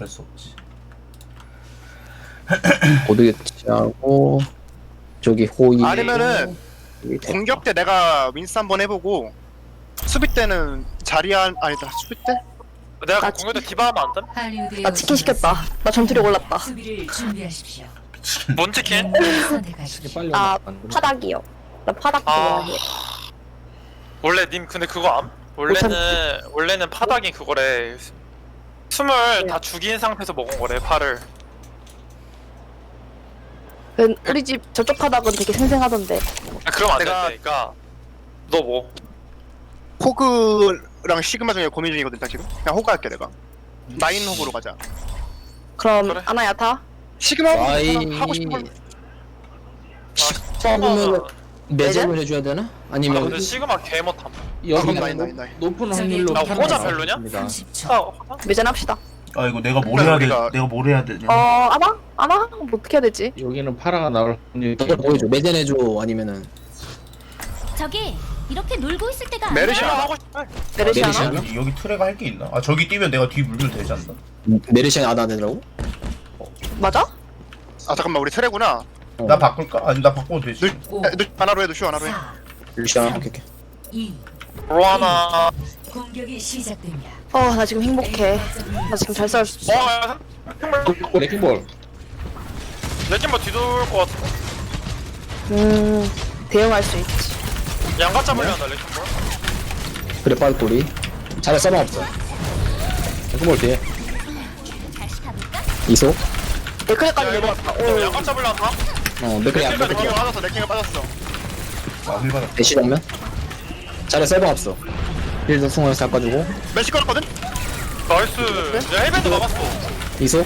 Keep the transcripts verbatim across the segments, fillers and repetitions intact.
할 수 없지. 고드게치하고 저기 호이 아니면은 공격 때 내가 윈스 한번 해보고 수비 때는 자리한 아니다 수비 때? 내가 나 공격대 디바하면 안 돼? 나 치킨 시켰다. 나 전투리 올랐다. 수비를 준비하십시오. 뭔 치킨? 선택하십시오. 빨리 아 온다. 파닭이요. 나 파닭 아 좋아해. 원래 님 근데 그거 암? 원래는 원래는 파닭이 그거래. 숨을 네. 다 죽인 상태에서 먹은 거래 파를. 그 우리 집 저쪽 파닭은 되게 생생하던데. 아, 그럼 안 내가- 된대. 그러니까 너 뭐? 호그랑 시그마 중에 고민 중이거든 나 지금. 그냥 호그 할게 내가. 나인 호그로 가자. 그럼 그래. 아나야 타? 시그마 아이 호그 하고 싶은 걸. 시그마는 매점을 해줘야 되나? 아 아니면 근데 시그마 개 못함. 여기 나인, 나인, 나인. 높은 확률로 나 팔아나갈 호자 수 별로냐? 있습니다. 삼십 초. 아, 매전합시다. 아 이거 내가 뭘 해야 돼? 우리가- 내가 뭘 해야 되냐? 어 아나? 아나? 뭐 어떻게 해야 되지? 여기는 파라가 나올 확률이 이거 보여줘. 매전 해줘. 아니면은 저기 이렇게 놀고 있을 때가 아니야. 메르시 시그마 하나? 하고 싶어. 메르시 메르시 하나? 하나? 여기, 여기 트레가 할 게 있나? 아 저기 뛰면 내가 뒤 물면 되지 않나? 메르시안 아나 되더라고? 맞아? 아 잠깐만 우리 트레구나. 어. 나 바꿀까? 아니 나 바꿔도 되지. 오, 야, 너 하나로 해 누슈 하나로 해. 사, 메르시안 오케이 오케이. 이. 로하나. 공격이 시작됩니다. 어 나 지금 행복해. 나 지금 잘 싸울 수 있어. 어, 야, 레킹볼 레킹볼 뒤돌 것 같아. 음 대응할 수 있지. 양가 잡으려 한다 레킹볼. 그래 빠르꼬리. 잘해 써봐 없어. 레킹볼 뒤에 다시 가볼까? 이소. 데크레까지 야, 이거 내려갔다. 너 오. 양가 잡으려 한다? 어 맥크리 안 레킹볼 맥크리. 레킹가 빠졌어 레킹가 빠졌어. 아힐 받았다. 대시 정면. 잘해 써봐 없어. 빌드 승원을 깎아주고. 멜시 걸었거든? 나이스. 내가 헬멧도 막았어. 이소.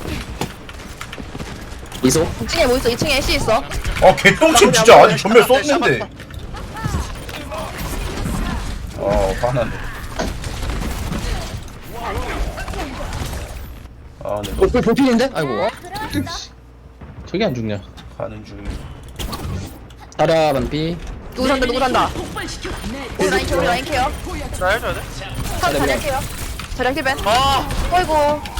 이소. 이 층에 뭐 있어? 이 층에 애쉬 있어. 아 개똥침 진짜 아직 전멸 썼는데. 아 화나네. 아 네. 볼 볼필인데? 아이고. 저기 안 죽냐? 가는 중이. 타라 반피. 누구 산다 누구 산다. 우리 라인 케어 우리 라인 케어. 나 해줘야 돼? 타 자리야 케어. 자리야 힐벤. 아, 어이구.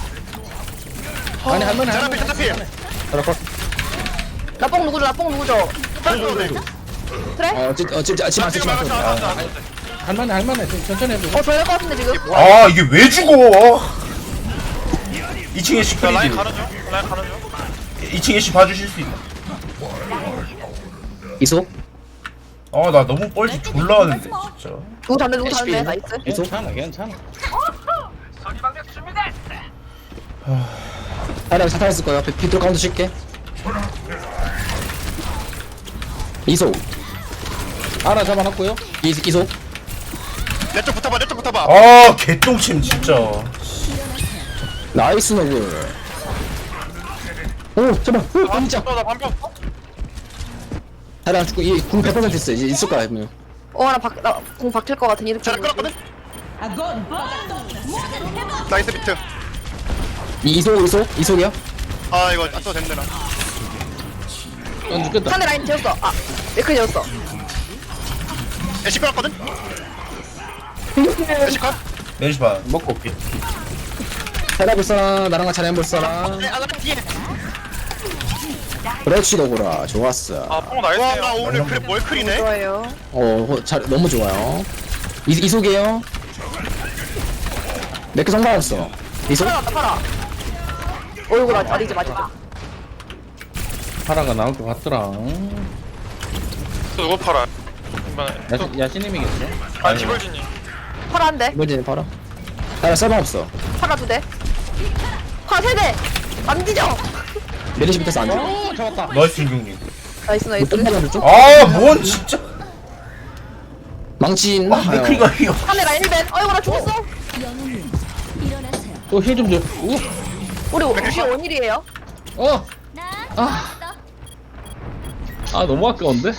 아니 할머니 자라필 할머니 자라필. 타라 컷. 나뽕 누구죠? 나뽕 누구죠? 그래? 어, 찌, 어, 찌, 찌, 찌마, 지금 찌마. 막았어 막았어. 할머니 할머니 좀 천천히 해보자. 어 저럴 것 같은데 지금. 아 이게 왜 죽어? 이 층에 야, 시크릿. 라인 가는 중. 라인 가는 중. 이 층에 시 봐주실 수 있나? 이소? 아 나 너무 뻘짓 졸라 하는데 진짜. 누구 잡네 누구 잡네 나이스. 이소? 괜찮아 괜찮아. 타라 사타 있을 거야. 비- 비트로 카운트 칠게. 이소. 하나 잡아놨고요. 이, 이소. 내쪽 붙어봐 내쪽 붙어봐. 아 개똥침 진짜. 나이스 너글. 오, 제발. 오, 아, 진짜. 나 반피 없어? 타라 죽고, 이궁 백 퍼센트 있어. 이제 있을 거야, 그러면. 어나나공 박힐 것 같은 이렇게. 자라 끌었거든? 나이스 비트. 이, 이소, 이소? 이소야? 아 이거 안 써도 된대 나. 안 죽겠다. 상대 라인 지웠어. 아 메크 지웠어. 애쉬 끌었거든? 애쉬 컷? 메리시 봐. 먹고 올게. 타라 볼 사람, 나랑 같이 잘해볼 사람. 네, 아나 뒤에. 그렇지, 너구라. 좋았어. 아, 뽕 와, 나 나이스요. 오늘 그래 월클이네. 좋아요. 어, 호- 잘, 너무 좋아요. 이, 이소게요. 몇개 성공했어. 이소? 팔아 팔아. 어이구 나 아니지 맞아. 파라가 나올 것 같더라. 또 누구 팔아? 이번에. 야시, 야시님이겠죠? 아, 디벌진이. 팔아 한 대. 이번에는 봐라. 타라 써봐 없어. 팔아 두 대. 팔아 세 대. 안 뒤져. 메리시 밑에서 안 돼. 오 잡았다. 나이스 김경님. 나이스 나이스. 뜬다는 쪽? 아뭔 진짜. 망치 있나? 아 맥크리가 이거. 상대 라인 힐벤. 어이구 나 죽었어. 영웅님 일어나세요. 또힐 좀 줘. 우. 우리 혹시 원일이에요? 어. 나 아. 왔어. 아 너무 아까운데?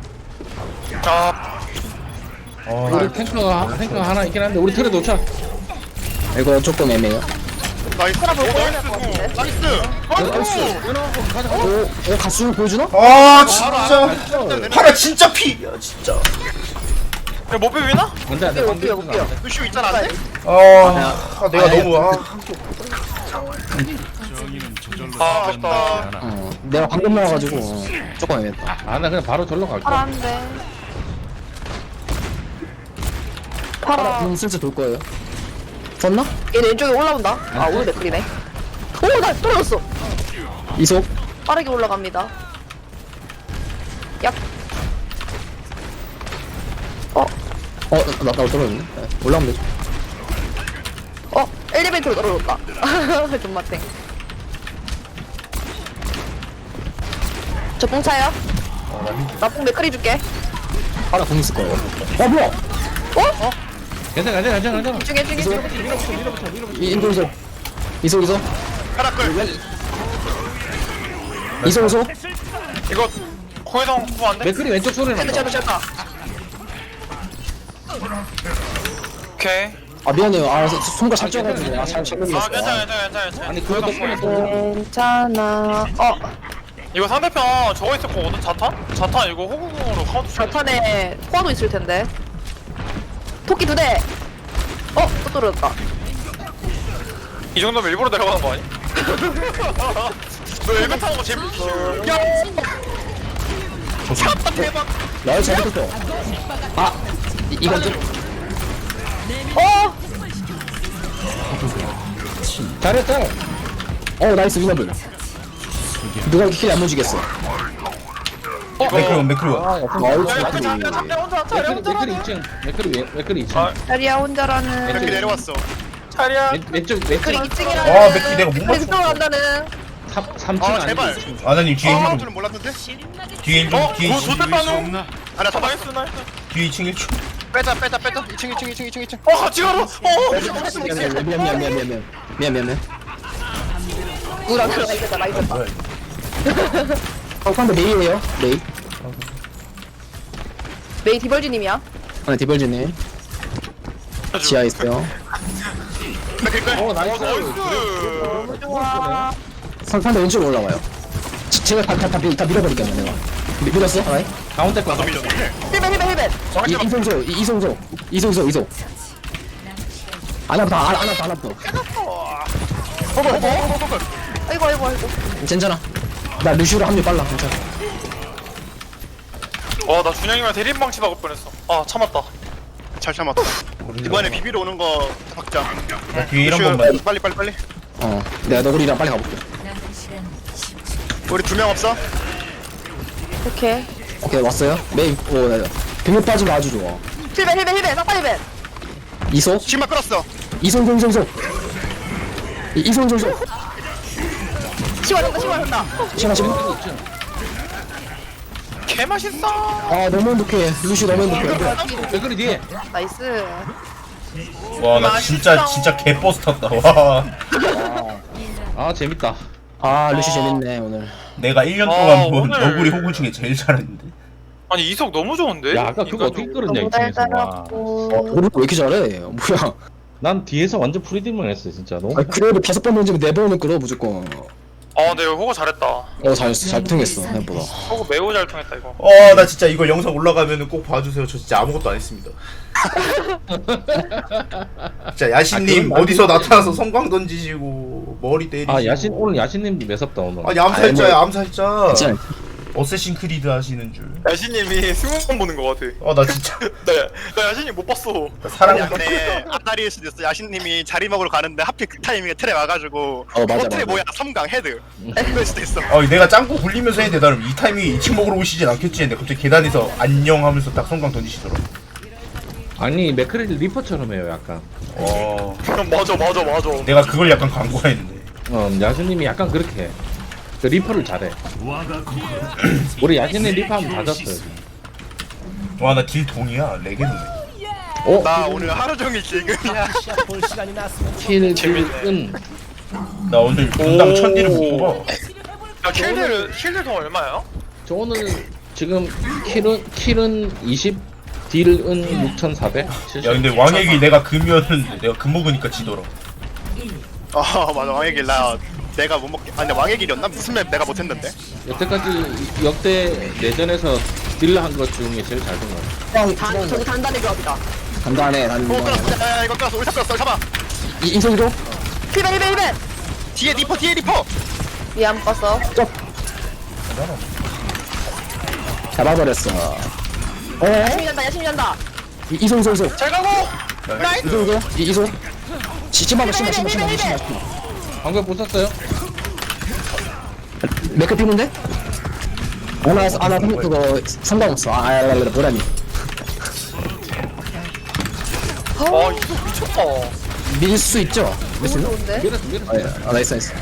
아, 아 우리 탱커가 탱커 하나 있긴 한데 우리 틀에 놓자. 이거 조금 애매해요. 나이스. 팔아 볼 오, 거야 될것 같은데. 나이스. 나이스. 오, 오, 가수를 보여주나? 아 진짜. 파라 진짜 피. 야 진짜. 야, 못 비비나? 안돼 안돼. 못 뛰어 못 뛰어. 루슈 있잖아 안 돼? 아, 아 내가 너무 아. 아 아깝다. 어 내가 방금 나와가지고 어, 조금 애매했다. 아 나 그냥 바로 절로 갈게. 파라 한대. 파라 파라. 공 슬슬 돌 거예요. 썼나? 얘 왼쪽에 올라온다. 아 오늘 맥클이네. 오나 떨어졌어. 이속. 빠르게 올라갑니다. 야. 어, 어나 나 떨어졌네. 네, 올라오면 되죠. 어, 엘리베이터로 떨어졌다. 존맛탱. 저 뽕차요? 나뽕 맥클이 줄게. 파라 공 있을 거예요. 어 뭐야? 어? 괜찮아 괜찮아 괜찮아 괜찮아. 중에 중에 중에. 이 인도 이속. 이속 이속. 하나 끌. 이속 이속. 이거 코에성 구안 돼? 맥클이 왼쪽 소리 쟤도 난다. 쟤도 쟤도. 오케이. 아 미안해요. 아 손가 잘 쪄가지고 아잘 잘못 아 눌렀어. 괜찮아 괜찮아 괜찮아 괜찮아. 아니 그거 덕분에 또 괜찮아. 어, 이거 상대편 저거 있었거든 자탄? 자탄 이거 호구공으로 카운터 쳐. 자탄에 포화도 있을 텐데. 토끼 두 대. 어, 또 떨어졌다. 이 정도면 일부러 내려가는 거 아니? 너 엘베 타는 거 재밌지? 야! 샷다 대박! 나를 잘못했어. 아 이- 이건 좀 어, 잘했어. 어 나이스 위너블. 누가 이렇게 킬안 묻히겠어. 매크로 매크로. 아 옆으로. 아우 야 이거 킬이. 잡냐 잡냐 혼자 차려 맥클이 혼자 맥클이 이 층. 맥클이 왼- 맥클이 이 층. 아 자리야 혼자라는. 이렇게 내려왔어. 차리야 왼- 왼쪽 맥클이 왼쪽 이 층이라는. 아, 맥클이 내가 못 맥클이 맞췄어. 그쪽으로 간다는. 삼 층 아 아니고 제발. 이 층. 아나님 뒤에 아 일 줄은 몰랐는데? 뒤에 일 어? 뒤에 뭐 이 좋댔다는? 아나 잡았어. 나이스 나이스 뒤에 이 층 일 층. 빼자 빼자 빼자. 이 층 이 층 이 층 이 층 이 층. 어 같이 가라! 어! 미안 미안 미안 미안 미안 미안 미안 미안 미안 미안. 누구랑 들어가 있겠다. 나 있었다. 어 상대 메이예요. 메이. 메이 디벌지님이야. 아 디벌지님 지하에 있어요. 어 나이스. 나이스! 좋아. 상 상대 왼쪽으로 올라와요. 지- 제가 다 다 다 밀어버릴게요 내가. 미- 밀었어? 아이. 가운데 거. 힐벤 힐벤 힐벤. 이 이송소 이- 이송소 이송소 이송. 안아부터 안 안아부터 안아부터. 아이고 아이고 아이고. 괜찮아. 나 루시우로 합류 빨라. 괜찮아. 와나 준영이랑 대립망치 박을 뻔했어. 아 참았다. 잘 참았다. 이번에 비비러 오는 거 박자. 나 뒤에 일 한 슈, 번만. 빨리 빨리 빨리. 어 내가 너구리랑 빨리 가볼게. 남은 시간 십 초. 우리 두 명 없어? 오케이. 오케이 왔어요. 메이 오 네. 빙을 빠지면 아주 좋아. 힐벤 힐벤 힐벤. 싹다 힐벤. 이소 신발 끌었어. 이송 이송 이송 이- 이송 이송 이송. 시원한다 시원한다. 시간 지금. 개 맛있어. 아 너무 행복해. 루시 너무 행복해. 맥클이 뒤에. 나이스. 와 나 진짜 진짜 개버스 탔다. 와. 아 재밌다. 아 루시 재밌네 오늘. 내가 일 년 아, 동안 본 오늘- 너구리 호구 중에 제일 잘했는데. 아니 이석 너무 좋은데? 야 아까 그거 어떻게 끌었냐 이 너무 층에서. 와. 달달하고. 어 오늘 왜 이렇게 잘해? 뭐야? 난 뒤에서 완전 프리딩만 했어 진짜 너무. 아, 그래도 다섯 번 던지면 네 번은 끌어 무조건. 아 근데 이거 호구 잘했다. 어 잘했어 잘 통했어 생각보다. 호구 매우 잘 통했다 이거. 어 나 진짜 이거 영상 올라가면은 꼭 봐주세요. 저 진짜 아무것도 안 했습니다. 진짜 야신님 아, 그건 어디서 나타나서 성광 던지시고 머리 때리시고. 아 야신 오늘 야신님도 매섭다 오늘. 아니 암살자야 아, 암살자. 괜찮아. 어쌔신 크리드 하시는 줄. 야신님이 승무원 보는 거 같아. 어 나 진짜 나, 나 야신님 못 봤어. 나 사랑. 아니 근데 앞다리일 수도 있어. 야신님이 자리 먹으러 가는데 하필 그 타이밍에 틀에 와가지고 어, 맞아, 틀에 맞아. 뭐야 삼강 헤드 그럴 수도 있어. 어 내가 짱구 굴리면서 했는데 나름 이 타이밍에 이 층 먹으러 오시진 않겠지 했는데 갑자기 계단에서 안녕 하면서 딱 성광 던지시더라. 아니 맥클이 리퍼처럼 해요 약간. 어 맞아 맞아 맞아. 내가 그걸 약간 광고했는데. 어 야신님이 약간 그렇게 해. 그 리퍼를 잘해. 우리 야신님 리퍼하면 다 졌어요. 지금. 와 나 딜 동이야 레게노네. 어? 나 오늘 하루 종일 지금이야. 킬, 킬, 은. 나 오늘 분당 천 딜을 못 뽑아. 야 킬들 킬들 얼마야? 저 오늘 지금 킬은 킬은 이십, 딜은 육천사백. 야 근데 왕의 길 내가 금이었는데 내가 금 먹으니까 지더라. 어 맞아 왕의 길 나 내가 못 먹게. 아 근데 왕의 길이었나? 무슨 맵 내가 못했는데? 여태까지 역대 내전에서 딜러 한 것 중에 제일 잘 된 것 같아. 그냥 단 저기 단단히 조합이다. 간단해 오 난. 끌었어. 야 이거 끌었어. 우리 끌었어. 잡아. 이 인성이도 힐벤 힐벤 힐벤. 뒤에 리퍼 뒤에 리퍼. 위에 안 봤어. 잡아버렸어. 어? 야심이 잔다 야심이 잔다. 이- 이소 이소 이소 잘 가고. 나이스. 이소 이소 이- 이소 시- 심하다 심하 심하 심하 심하 방금 보셨어요? 맥크 피는데? 아나 아나 그거 상관없어. 아, 아, 아, 아, 뭐라니? 어 이거 미쳤다. 밀 수 있죠? 밀 수 너무 있나? 좋은데? 밀었어 밀었어. 아, 예. 아 나이스 나이스.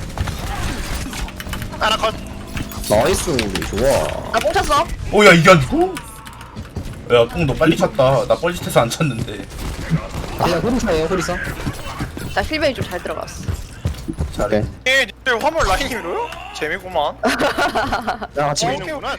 하나 컷. 나이스 우리 좋아. 나 뽕쳤어. 오야 이게 아니고? 야뽕 너 빨리 찼다. 나 뻘짓해서 안 찼는데. 그냥 호리사예요 호리사. 나 힐뱅이 좀 잘 들어갔어. 잘해. 에 니들 화물 라인 밀어요? 재미구만. 야 같이 밀. 보이는구나.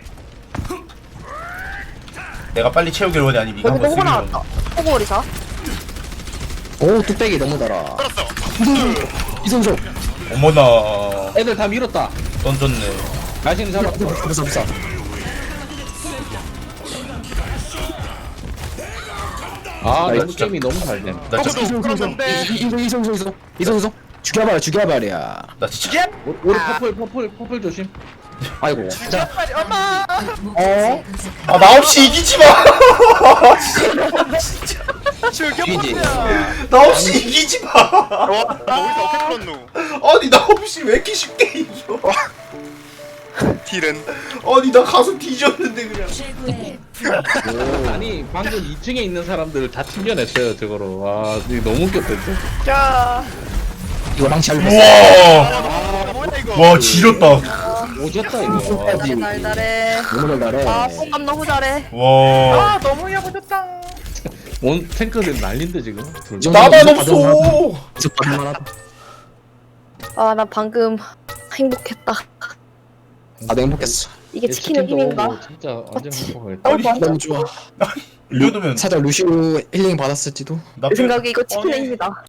내가 빨리 채우길 원해 아니면 이거 여기 한번 호구 쓰기로 나왔다. 호구 오리사. 오 뚝배기 너무 달아. 떨었어. 이성조. 어머나 애들 다 밀었다. 던졌네. 자신 잡았어. 부서 부서. 아 나 너무 진짜- 게임이 너무 잘 됨. 나 진짜 이성조 그런데. 이성조 이성조 이성조 이성조 죽여봐라 죽여봐라. 나 진짜 우리 우리 퍼플 퍼플 퍼플 조심. 아이고. 자. 엄마. 어? 아 나 없이 이기지 마. 즐겨보자. 나 없이 이기지 마. 와, 너 어디서 어떻게 풀었노? 아니 나 없이 왜 이렇게 쉽게 이겨? 딜은. 아니 나 가서 뒤졌는데 그냥. 최고의 아니 방금 이 층에 있는 사람들 다 튕겨냈어요 저거로. 와 이거 너무 웃겼다 진짜. 야. 이거 망치 알고 있어. 우와. 아, 뭐야 이거? 와 지렸다. 오졌다 이거. 와. 잘해 달달해. 너무 잘해. 아 뽕감 너무 잘해. 와. 아, 너무 야무졌다. 온 탱크들 난린데 지금. 둘 다. 나만 없어. 계속 받을만 하다. 아 나 방금 행복했다. 나도 행복했어. 이게 치킨의 힘인가? 진짜 완전 행복하겠다. 아니 너무 좋아. 이 정도면 살짝 루시우 힐링 받았을지도. 나 내 생각에 이거 치킨의 힘이다.